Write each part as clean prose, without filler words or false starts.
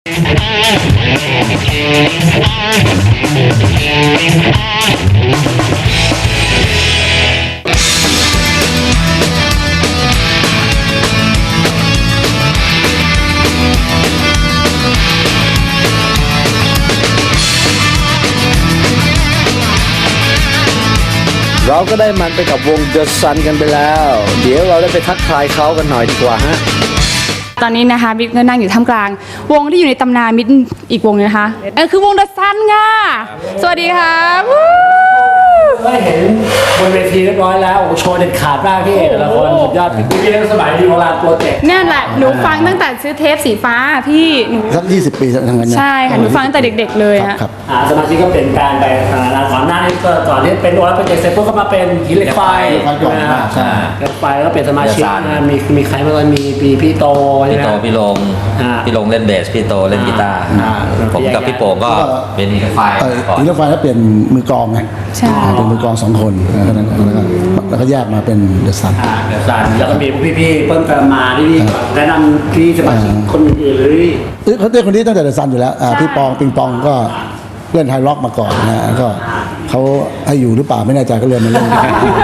เราก็ได้มันไปกับวง The Sun กันไปแล้ว เดี๋ยวเราได้ไปทักทายเขากันหน่อยดีกว่าฮะตอนนี้นะคะมิตรก็นั่งอยู่ท่ามกลางวงที่อยู่ในตำนานมิตรอีกวงนึงนะคะคือวง The Sun ค่ะสวัสดีค่ะได้เห็นบนเวทีเรียบร้อยแล้วโอ้โชว์เด็ดขาดมากพี่แต่ละคนสุดยอดพี่เล่นสมัยดีโบราณโปรเจกต์เนี่ยแหละหนูฟังตั้งแต่ซื้อเทปสีฟ้าพี่หนูสัก20 ปีทั้งนั้นใช่ค่ะหนูฟังตั้งแต่เด็กๆเลยฮะสมาชิกก็เปลี่ยนแปลงไปก่อนหน้านี้ก็ก่อนที่เป็นโบราณโปรเจกต์เสร็จปุ๊บก็มาเป็นหินเหล็กไฟใช่เหล็กไฟแล้วก็เปลี่ยนสมาชิกมีใครบ้างมีพี่โตพี่ลงเล่นเบสพี่โตเล่นกีตาร์ผมกับพี่โป่งก็เป็นหินเหล็กไฟหินเหล็กไฟแล้วเปลี่ยนมือกลองไงเป็นมือกลอง2 คนแล้วก็แยกมาเป็นเดอะซันแล้วก็มีพี่เพิ่มเติมมาที่แนะนำพี่สมาชิกคนอื่นเลยเขาเต้นคนนี้ตั้งแต่เดอะซันอยู่แล้วพี่ปองปิงปองก็เล่นไฮร็อกมาก่อนนะก็เขาให้อยู่หรือเปล่าไม่แน่ใจก็เลยมาเล่น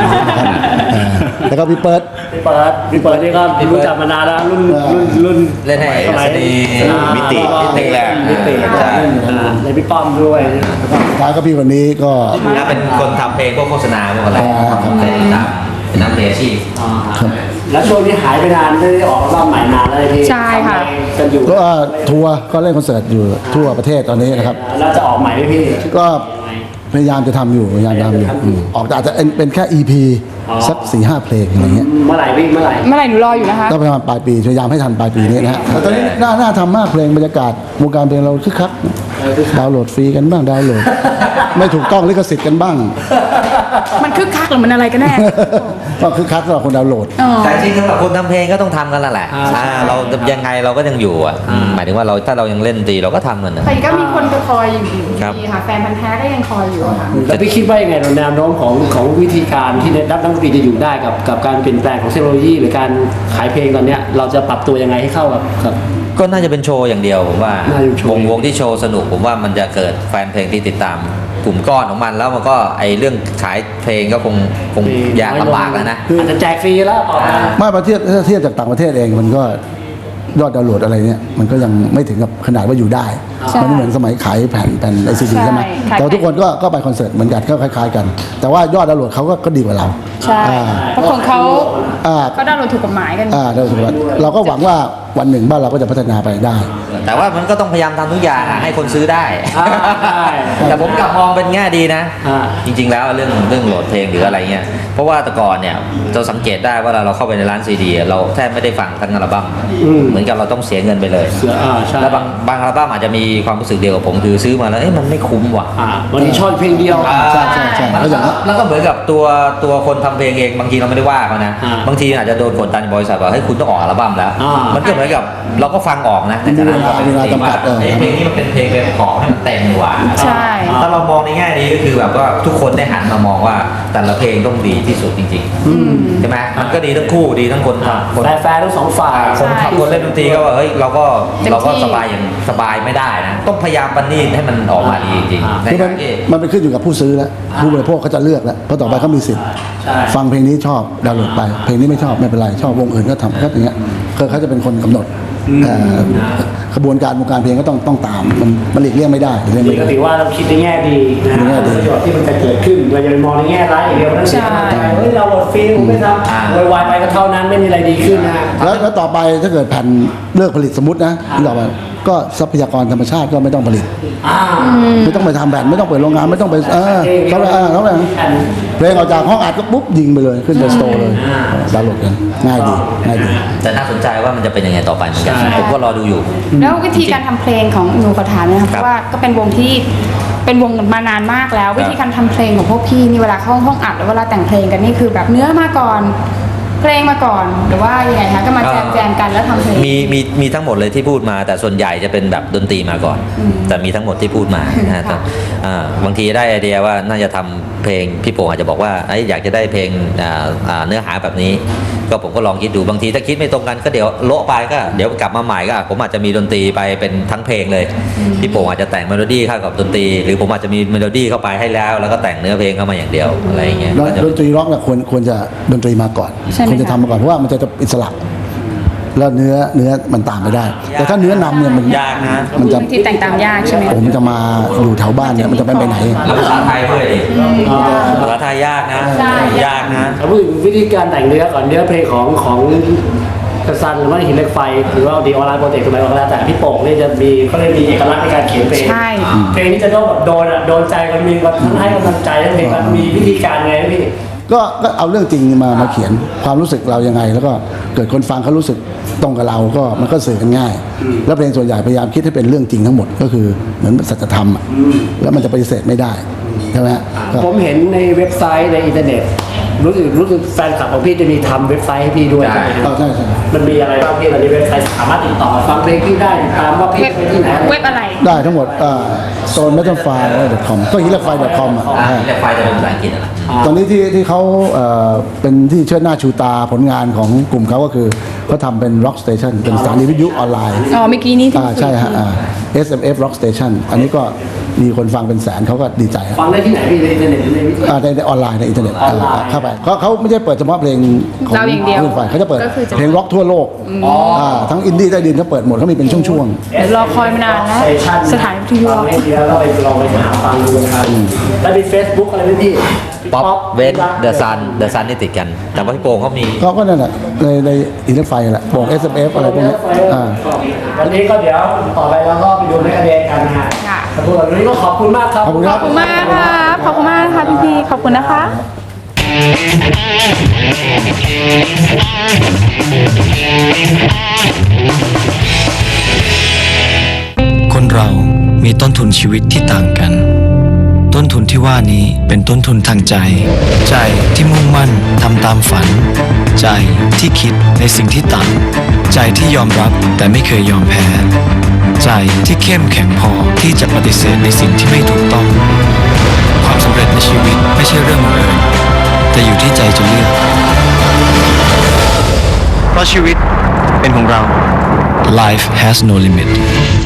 แล้วก็พี่เปิดนี่ก็รู้จักมานานแล้วรุ่นเล่นให้สมัยมิติแรกในพี่ป้อมด้วยท้ายก็พี่คนนี้ก็เป็นคนทำเพลงพวกโฆษณาพวกอะไรเป็นนักเพลงอาชีพแล้วช่วงนี้หายไปนานไม่ได้ออกรอบใหม่นานเลยพี่ใช่ค่ะก็ทัวร์ก็เล่นคอนเสิร์ตอยู่ทั่วประเทศตอนนี้นะครับแล้วจะออกใหม่ไหมพี่ก็พยายามจะทำอยู่ออกแต่อาจจะเป็นแค่ EP สัก 4-5 เพลงอะไรเงี้ยเมื่อไหร่วิ่งเมื่อไหร่หนูรออยู่นะคะก็ประมาณปลายปีพยายามให้ทันปลายปีนี้นะฮะแต่ตอนนี้น่าทำมากเพลงบรรยากาศวงการเพลงเราคึกคักดาวน์โหลดฟรีกันบ้างดาวน์โหลดไม่ถูกต้องลิขสิทธิ์กันบ้างมันคึกคักหรือมันอะไรกันแน่ก็คึกคักสำหรับคนดาวน์โหลดแต่จริงสำหรับคนทำเพลงก็ต้องทำกันแล้วแหละเรายังไงเราก็ยังอยู่หมายถึงว่าถ้าเรายังเล่นตีเราก็ทำกันนะแต่ก็มีคนคอยอยู่ดีค่ะแฟนพันธุ์แท้ก็ยังคอยอยู่ค่ะแล้วพี่คิดว่ายังไงแนวโน้มของวิธีการที่นักดนตรีจะอยู่ได้กับการเปลี่ยนแปลงของเทคโนโลยีหรือการขายเพลงตอนนี้เราจะปรับตัวยังไงให้เข้ากับก็น่าจะเป็นโชว์อย่างเดียวผมว่าวงที่โชว์สนุกผมว่ามันจะเกิดแฟนเพลงที่ติดตามกลุ่มก้อนของมันแล้วมันก็ไอเรื่องขายเพลงก็คงยากลำบากแล้วนะอาจจะแจกฟรีแล้วไม่ประเทศถ้าเทียบจากต่างประเทศเองมันก็ยอดดาวน์โหลดอะไรเนี่ยมันก็ยังไม่ถึงกับขนาดว่าอยู่ได้มันไม่เหมือนสมัยขายแผ่นไอซีดีใช่ไหมแต่ทุกคนก็ไปคอนเสิร์ตเหมือนกันก็คล้ายๆกันแต่ว่ายอดดาวน์โหลดเขาก็ดีกว่าเราใช่เพราะของเขาก็ดาวน์โหลดถูกกฎหมายกันเราก็หวังว่าวันหนึ่งบ้านเราก็จะพัฒนาไปได้แต่ว่ามันก็ต้องพยายามทำทุกอย่างให้คนซื้อได้แต่ผมกลับมองเป็นแง่ดีนะจริงๆแล้วเรื่องโหลดเพลงหรืออะไรเงี้ยเพราะว่าแต่ก่อนเนี่ยเราสังเกตได้ว่าเราเข้าไปในร้านซีดีเราแทบไม่ได้ฟังทั้งอัลบั้มเหมือนกับเราต้องเสียเงินไปเลยแล้วบางอัลบั้มอาจจะมีความรู้สึกเดียวกับผมคือซื้อมาแล้วมันไม่คุ้มว่ะวันนี้ชอบเพลงเดียวใช่แล้วก็เหมือนกับตัวคนทำเพลงเองบางทีเราไม่ได้ว่าเขานะบางทีอาจจะโดนกดดันบริษัทว่าให้คุณต้องออกอัลบั้มแล้วมันก็เหมือนกับเราก็ฟังออกนะแต่ฉะนั้นก็เป็นเพลงว่าเพลงนี้มันเป็นเพลงขอให้มันเต็มกว่าใช่ถ้าเรามองในแง่นี้ก็คือแบบว่าทุกคนได้หันมามองว่าแต่ละเพลงต้องดีที่สุดจริงๆใช่ไหมมันก็ดีทั้งคู่ดีทั้งคนแฟร์ทั้งสองฝ่ายคนเล่นดนตรีก็ว่าเฮ้ยเราก็สบายอย่างสบายไม่ได้นะต้องพยายามปฏิให้มันออกมาดีจริงๆมันเป็นขึ้นอยู่กับผู้ซื้อแล้วผู้บริโภคเขาจะเลือกแล้วเพราะต่อไปเขามีสิทธิ์ฟังเพลงนี้ชอบดาวน์โหลดไปเพลงนี้ไม่ชอบไม่เป็นไรชอบวงอื่นก็ทำก็อย่างเงี้ยเขาจะเป็นคนกำหนดขบวนการวงการเพลงก็ต้องตามมันหลีกเลี่ยงไม่ได้ก็ถือว่าเราคิดในแง่ดีนะประโยชน์ที่มันจะเกิดขึ้นเราจะไปมองในแง่ร้ายอย่างเดียวนั่นเองเฮ้ยเราหมดฟิลไม่ทำวายไปก็เท่านั้นไม่มีอะไรดีขึ้นนะแล้วต่อไปถ้าเกิดแผ่นเลิกผลิตสมมตินะต่อไปก็ทรัพยากรธรรมชาติก็ไม่ต้องผลิตไม่ต้องไปทำแผ่นไม่ต้องเปิดโรงงานไม่ต้องไปเขาเลยเพลงออกจากห้องอัดก็ปุ๊บยิงไปเลยขึ้นไปสโตร์เลยดาวน์โหลดกันง่ายดีแต่น่าสนใจว่ามันจะเป็นยังไงต่อไปเหมือนกันผมก็รอดูอยู่แล้ววิธีการทำเพลงของหนูขอถามนะครับเพราะว่าก็เป็นวงที่เป็นวงมานานมากแล้ววิธีการทำเพลงของพวกพี่นี่เวลาเข้าห้องอัดหรือเวลาแต่งเพลงกันนี่คือแบบเนื้อมาก่อนเพลงมาก่อนหรือว่ายังไงคะก็มาแจมกันแล้วทำเพลงมีทั้งหมดเลยที่พูดมา แต่ส่วนใหญ่จะเป็นแบบดนตรีมาก่อน แต่มีทั้งหมดที่พูดมานะฮะค่ะบางทีได้ไอเดียว่าน่าจะทำเพลงพี่โป่งอาจจะบอกว่าอยากจะได้เพลงเนื้อหาแบบนี้ ก็ผมก็ลองคิดดูบางทีถ้าคิดไม่ตรงกันก็เดี๋ยวโละไปก็เดี๋ยวกลับมาใหม่ก็ผมอาจจะมีดนตรีไปเป็นทั้งเพลงเลยพี่โป่งอาจจะแต่งเมโลดี้เข้ากับดนตรี หรือผมอาจจะมีเมโลดี้เข้าไปให้แล้วก็แต่งเนื้อเพลงเข้ามาอย่างเดียวอะไรอย่างเงี้ยแล้วก็จะดนตรีร็อกเนี่ยควรจะดนตรีมาก่อนใช่ไหมควรจะคะทำมาก่อนเพราะว่ามันจะอิสระแล้วเนื้อมันตามไม่ได้ แต่ถ้าเนื้อนำเนี่ยมันยากนะมันจะบางทีแต่งตามยากใช่ไหมผมจะมาอยู่แถวบ้านเนี่ยมันจะไปไหนแล้วภาษาไทยด้วยดิภาษาไทยยากนะ ยากนะเอาพูดถึงวิธีการแต่งเนื้อก่อนเนื้อเพลงของกระซันหรือว่าหินเหล็กไฟหรือว่าดีออนไลน์โปรเจกต์อะไรก็แล้วแต่พี่โป่งนี่จะมีเขาเรียกมีเอกลักษณ์ในการเขียนเพลงใช่เพลงนี้จะต้องแบบโดนใจกันมีแบบทั้งให้กำลังใจทั้งเพลงมีวิธีการไงพี่ก็เอาเรื่องจริงมาเขียนความรู้สึกเรายังไง แล้วก็เกิดคนฟังเขารู้สึกตรงกับเราก็มันก็สื่อกันง่าย แล้วเพลงส่วนใหญ่พยายามคิดให้เป็นเรื่องจริงทั้งหมดก็คือเหมือนสัจธรรมอะแล้วมันจะปฏิเสธไม่ได้ใช่ไหมฮะก็ผมเห็นในเว็บไซต์ในอินเทอร์เน็ตรู้สึกแฟนคลับของพี่จะมีทำเว็บไซต์ให้พี่ด้วยใช่ใช่ไหมครับใช่มันมีอะไรบ้างพี่ตอนนี้เว็บไซต์สามารถติดต่อฟังเพลงพี่ได้ติดตามว่าพี่เว็บไปที่ไหนเว็บอะไรได้ทั้งหมดstone.com ก็hilafy.com อ่ะเรียกไฟจะเป็นภาษาอังกฤษอะตอนนี้ที่เขาเป็นที่เชิดหน้าชูตาผลงานของกลุ่มเขาก็คือเขาทำเป็น rock station เป็นสถานีวิทยุออนไลน์อ๋อเมื่อกี้นี้ที่ใช่ฮะSMF rock station อันนี้ก็มีคนฟังเป็นแสนเขาก็ดีใจฮะฟังได้ที่ไหนพี่ในอินเทอร์เน็ตหรือในวิทยุในออนไลน์ในอินเทอร์เน็ตออนไลน์เข้าไปเขาไม่ใช่เปิดเฉพาะเพลงของเราอย่างเดียวคลื่นไฟเขาจะเปิดก็คือจะเพลงร็อกทั่วโลกทั้งอินดี้ใต้ดินเขาเปิดหมดเขามีเป็นช่วงเดี๋ยวรอคอยมานานแล้วสถานีวิทยุฟังให้ดีแล้วเราไปลองไปหาฟังดูกันแล้วมี Facebook อะไรไหมพี่ป๊อปเวนเดอะซันนี่ติดกัน แต่ว่าพี่โป่งเขามีๆเขาก็นั่นแหละในอินเทอร์ไฟแหละบอก SMF อะไรพวกนี้อ่าวันนี้ก็เดี๋ยวต่อไปเราก็ไปดูในกระเด็นกันนะฮะค่ะขอบคุณวันนี้ก็ขอบคุณมากครับขอบคุณคขรัอบคุณมากครับขอบคุณมากนะคะพี่ขอบคุณนะคะคนเรามีต้นทุนชีวิตที่ต่างกัน ต้นทุนที่ว่านี้เป็นต้นทุนทางใจ ใจที่มุ่งมั่นทำตามฝัน ใจที่คิดในสิ่งที่ต่าง ใจที่ยอมรับแต่ไม่เคยยอมแพ้ ใจที่เข้มแข็งพอที่จะปฏิเสธในสิ่งที่ไม่ถูกต้อง ความสำเร็จในชีวิตไม่ใช่เรื่องบังเอิญแต่อยู่ที่ใจจะเลือก เพราะชีวิตเป็นของเรา Life has no limit